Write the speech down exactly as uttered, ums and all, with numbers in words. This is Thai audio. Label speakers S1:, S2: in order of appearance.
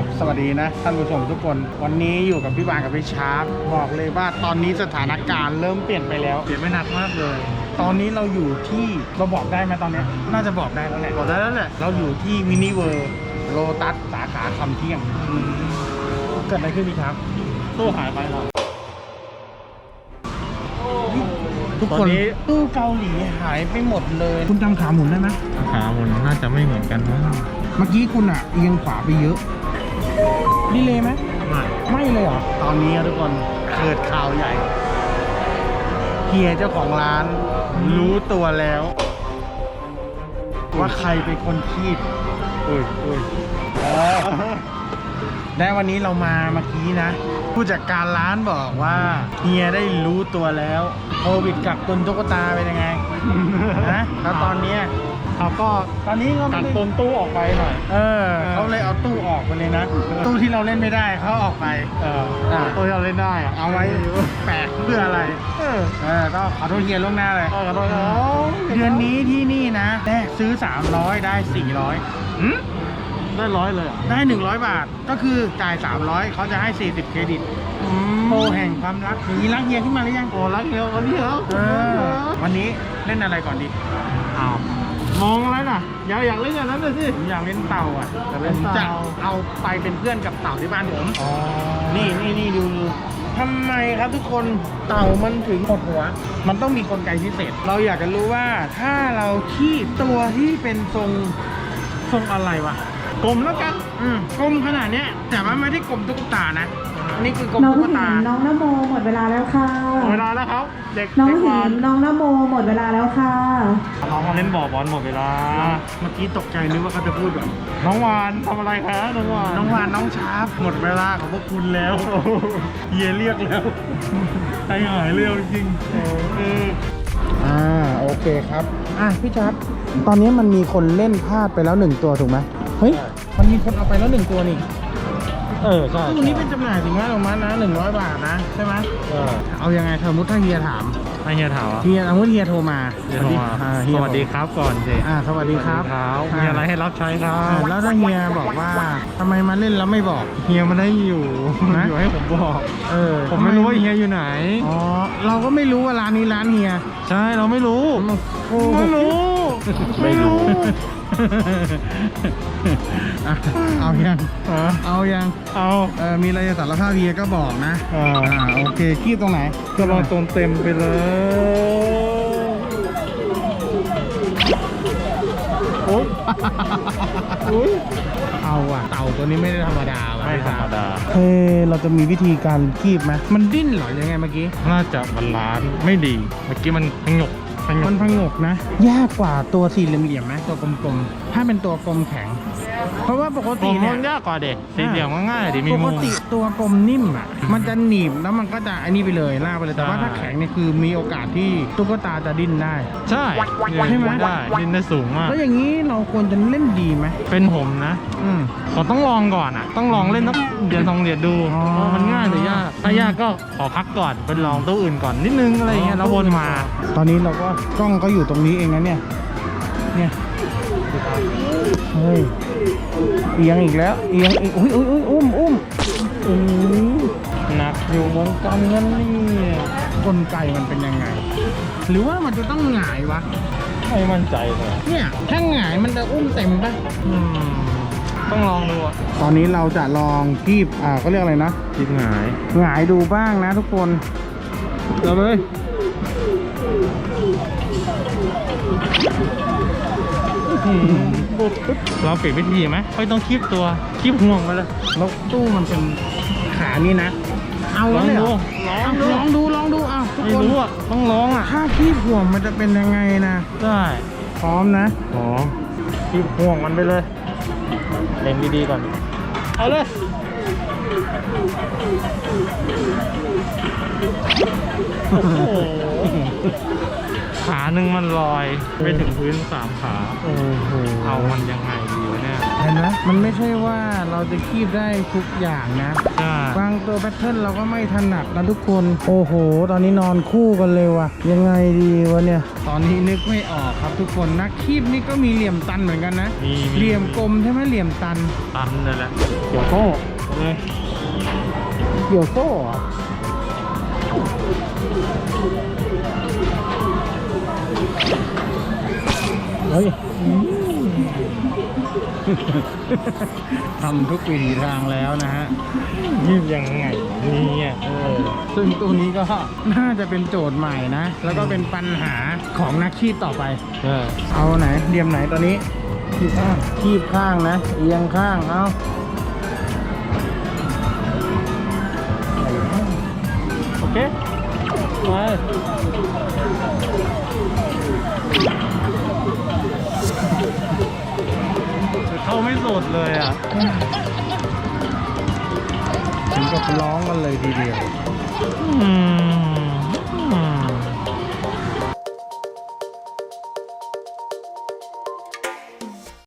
S1: บสวัสดีนะท่านผู้ชมทุกคนวันนี้อยู่กับพี่บานกับพี่ชาร์ปบอกเลยว่าตอนนี้สถานการณ์เริ่มเปลี่ยนไปแล้ว
S2: เปลี่ยนไม่หนักมากเลย
S1: ตอนนี้เราอยู่ที่เราบอกได้ไหมตอนนี้น่าจะบอกได้แล้วแหละ
S2: บอกได้แล้วแหละ
S1: เราอยู่ที่มินิเวิร์โลตัสสาขาคำเที่ยงเกิดอะไรขึ้นพี่ครับ
S2: ตู้หายไปเหรอ
S1: ทุกคนตู้เกาหลีหายไปหมดเลยคุณจำขาหมุนได้ไหม
S2: ขามันน่าจะไม่เหมือนกันมั้ง
S1: เมื่อกี้คุณอ่ะเอียงขวาไปเยอะดีเลยไหม
S2: ไม่
S1: ไม่เลยเหรอตอนนี้ทุกคนเกิดข่าวใหญ่เฮียเจ้าของร้านรู้ตัวแล้ว ว่าใครเป็นคนคีบ
S2: อุ้ยอุ้ย
S1: ได้วันนี้เรามาเมื่อกี้นะ ผู้จัดการร้านบอกว่าเฮียได้รู้ตัวแล้วโควิดกักตุนตุ๊กตาเป็นยังไง นะแล้วตอนเนี้ยเขาก็ตอนนี้ก็
S2: ตั
S1: ไม่
S2: ด
S1: ได้
S2: ต้นตู้ออกไปหน่อย
S1: เออเขาเลยเอาตู้ออกไปเลยนะ ตู้ที่เราเล่นไม่ได้เขาออกไป
S2: เออ
S1: อ่า
S2: ตัวที่เราเล่นได้อะ
S1: เอาไว้แปะเพื่ออะไร
S2: เออ
S1: เออต้องขอโทษเฮียล่วงหน้าเลย
S2: เออขอโทษนะ
S1: เดือนนี้ที่นี่นะแรกซื้อสามร้อยได้สี่ร้อย
S2: หืมได้ร้อยเลยอ่ะ
S1: ได้หนึ่งร้อยบาทก็คือจ่ายสามร้อยเขาจะให้สี่สิบเครดิตโปรแห่งความรักอย่างนี้รักเฮียขึ้นมาหรือยัง
S2: โอ้รักเดียววันนี้เหรอ
S1: เออวันนี้เล่นอะไรก่อนดี
S2: อ้าวมองอะไรน่ะอยากอยากเล่นอย่างนั้นเลยสิ
S1: ผมอยากเล่นเต่าอ่ะ
S2: อยากเล่น
S1: ผมจะ
S2: เต่า
S1: เอาไปเป็นเพื่อนกับเต่าที่บ้านผม
S2: อ๋อ
S1: นี่นี่นี่ดูดูทำไมครับทุกคนเต่ามันถึงหดหัว มันต้องมีกลไกพิเศษ เราอยากจะรู้ว่าถ้าเราคีบตัวที่เป็นทรงทรงอะไรวะ
S2: กลมแล้วกัน
S1: อืมกลมขนาดเนี้ยแต่ว่าไม่ได้กลมตุ๊กตานะอันนี้คือกลม
S3: น้อง
S1: ตุ๊ก
S3: หิ
S1: ตา
S3: นน้องนโมหมดเวลาแล้วค่ะ
S2: เวลาแล้วครับเด็ก
S3: น้อง
S2: เด็ก
S3: หิ
S2: วาน
S3: นน้องนโมหมดเวลาแล้วค่ะ
S2: น้องมาเล่นบ่อบอลหมดเวลา
S1: เมื่อกี้ตกใจนึกว่าเขาจะพูดแบบ
S2: น้องวานทำอะไรคะน้องวาน
S1: น้องวานน้องชาร์ปหมดเวลาของพวกคุณแล้วเฮียเรียกแล้วใจหายเร็วจริงเอออ่าโอเคครับอ่ะพี่ชาร์ปตอนนี้มันมีคนเล่นพลาดไปแล้วหนึ่งตัวถูกไหมเฮ้ยมันมีคนเอาไปแล้วหนึ่งตัวนี่
S2: เออใช่
S1: ตัวนี้เป็นจำหน่ายถึงว่าลงมานะหนึ่งร้อยบาทนะใช่ไหม
S2: เออ
S1: เอายังไงสมมติถ้าเฮียถาม
S2: ให้เฮียถามอ่ะ
S1: เฮียสมมติเฮียโทรมา
S2: เฮียโทรมา
S1: อ่
S2: ส
S1: เฮีย
S2: วัสดีครับก่อนสิ
S1: อ่าสวัสดีครับ
S2: มีอะไรให้รับใช้ครั
S1: อ่า
S2: บ
S1: แล้วถ้าเฮียบอกว่าทำไมมาเล่นแล้วไม่บอก
S2: เฮียมันได้อยู่
S1: นะ
S2: อยู่ให้ผมบอก
S1: เออ
S2: ผมไม่รู้ว่าเฮียอยู่ไหน
S1: อ๋อเราก็ไม่รู้ว่าร้านนี้ร้านเฮีย
S2: ใช่เราไม่รู้
S1: โอ้
S2: ไม่รู้ ไม่รู้
S1: อ่ะเอายัง
S2: อ่ะ
S1: เอายัง
S2: เอา
S1: เออมีอะไรจะสารภาพเฮียก็บอกนะ
S2: อ่า
S1: อ่าโอเคคีบตรงไหน
S2: ก็ลองตรงเต็มไปเลยโอ๊ยโอ๊ย
S1: เอาว่ะเต่าตัวนี้ไม่ได้ธรรมดาว่ะ
S2: ไม่ธรรมดา
S1: เฮ้ยเราจะมีวิธีการคีบไหมมันดิ้นเหรอยังไงเมื่อกี้
S2: น่าจะบาลานซ์ไม่ดี เมื่อกี้มันพงกพง
S1: มัน
S2: ก
S1: พงกนะ ยากกว่าตัวสี่เหลี่ยมๆไหมตัวกลมๆถ้าเป็นตัวกลมแข็ง เพราะว่าปก
S2: ผ
S1: ติ
S2: ม
S1: เนี่ย
S2: มันยากกว่าเด็กสีเหลี่ยมก็ง่ายดิมี
S1: ป
S2: มุ
S1: ก
S2: ม
S1: ติตัวกลมนิ่มอ่ะ มันจะหนีบแล้วมันก็จะอันนี้ไปเลยล่ากไปเลยแต่ว่า
S2: ใช่
S1: ถ้าแข็งเนี่ยคือมีโอกาสที่ตุ๊กตาจะดิ้นได้
S2: ใช่
S1: ใช่ไหม
S2: ได้ดินได้สูงมาก
S1: แล้วอย่างนี้เราควรจะเล่นดีไหม
S2: เป็นผมนะ
S1: อืม
S2: ผมต้องลองก่อนอ่ะ ต้องลองเล่นสักเดือนสองเดือนดู
S1: อ๋อ
S2: ว่ามันง่ายหรือยากถ้ายากก็ขอพักก่อนเป็นลองตัวอื่นก่อนนิดนึงอะไรอย่างเงี้ยแล้ววนมา
S1: ตอนนี้เราก็กล้องก็อยู่ตรงนี้เองนะเนี่ย เนี่ย เฮ้ย เอียงอีกแล้ว เอียงอีกอุ้ยอุ้ยอุ้ยอุ้มอุ้มอุ้ย
S2: หนักอยู่วงการเงินนี่
S1: กลไกมันเป็นยังไง หรือว่ามันจะต้องหงายวะ
S2: ไม่มั่นใจเลย
S1: เนี่ยถ้าหงายมันจะอุ้มเต็มปะ
S2: อืมต้องลองดูอ่ะ
S1: ตอนนี้เราจะลองคีบอ่าก็เรียกอะไรนะ
S2: คิดหงาย
S1: หงายดูบ้างนะทุกคนเอาเลย
S2: เราเปลี่ยนวิธีไหมไม่ต้องคีบตัวคีบห่วงไปเลย
S1: แล้วตู้มันเป็นขานี่นะ เอา
S2: ลอง
S1: เลยเหร
S2: ดู
S1: อ
S2: ลองดู
S1: ลองดูลองดูอ่ะทุก
S2: ไม่
S1: คน
S2: รู้อ่ะต้องลองอ่ะ
S1: ถ้าคีบห่วงมันจะเป็นยังไงนะ
S2: ได้
S1: พร้อมนะ
S2: หอมคีบห่วงมันไปเลยเล็งดีๆก่อนเอาเลยโอ้โหขาหนึ่งมันลอยไปถึงพื้นสามขา
S1: โอ้โห
S2: เอามันยังไงดีวะเนี่ย
S1: อเห็นไหมมันไม่ใช่ว่าเราจะคีบได้ทุกอย่างนะ
S2: ใช่
S1: บางตัวแพทเทิร์นเราก็ไม่ถนัดนะทุกคน โอ้โห ตอนนี้นอนคู่กันเลยว่ะ ยังไงดีวะเนี่ย ตอนนี้นึกไม่ออกครับทุกคน นักคีบนี่ก็มีเหลี่ยมตันเหมือนกันนะ
S2: มีมี
S1: เหลี่ยมกลมใช่ไหมเหลี่ยมตัน
S2: ตันเลยแหละเกี่ยวโซ่เลย
S1: เกี่ยวโซ่เหรอ
S2: เฮ้ย
S1: ทำทุกวิถีทางแล้วนะฮะ
S2: ยืดยังไงเนี่ยเออ
S1: ซึ่งตัวนี้ก็น่าจะเป็นโจทย์ใหม่นะ แล้วก็เป็นปัญหาของนักคีบต่อไป
S2: เออ
S1: เอาไหนเหลี่ยมไหนตอนนี้คีบข้างคีบข้างนะ เอียงข้าง เอา
S2: โอเคไปเข้าไม่สุดเลยอ่ะ
S1: ถึงกับร้องกันเลยทีเดียว
S2: อืม